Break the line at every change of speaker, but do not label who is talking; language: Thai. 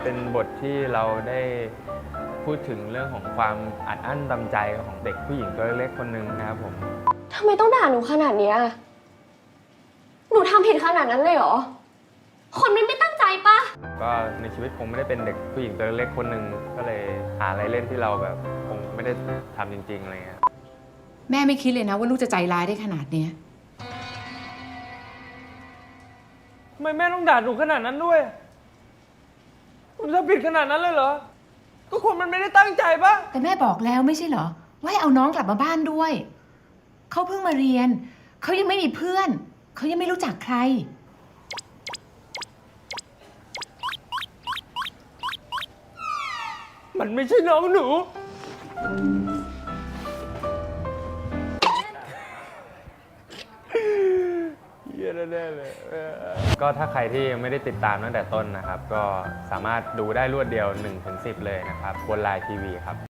เป็นบทที่เราได้พูดถึงเรื่องของความอัดอั้นตันใจของเด็กผู้หญิงตัวเล็กคนหนึ่งนะครับผม
ทำไมต้องด่าหนูขนาดเนี้ยหนูทำผิดขนาดนั้นเลยเหรอคนมันไม่ตั้งใจปะ
ก็ในชีวิตคงไม่ได้เป็นเด็กผู้หญิงตัวเล็กคนหนึ่งก็เลยหาอะไรเล่นที่เราแบบคงไม่ได้ทำจริงๆอะไรเงี้ย
แม่ไม่คิดเลยนะว่าลูกจะใจร้ายได้ขนาดเนี้ย
ทำไมแม่ต้องด่าหนูขนาดนั้นด้วยผมจะผิดขนาดนั้นเลยเหรอก็คนมันไม่ได้ตั้งใจปะ
แต่แม่บอกแล้วไม่ใช่เหรอว่าให้เอาน้องกลับมาบ้านด้วยเขาเพิ่งมาเรียนเขายังไม่มีเพื่อนเขายังไม่รู้จักใคร
มันไม่ใช่น้องหนูเหี้ยแน่ๆเลย
ก็ถ้าใครที่ยังไม่ได้ติดตามตั้งแต่ต้นนะครับก็สามารถดูได้รวดเดียว 1-10 เลยนะครับบนไลน์ทีวีครับ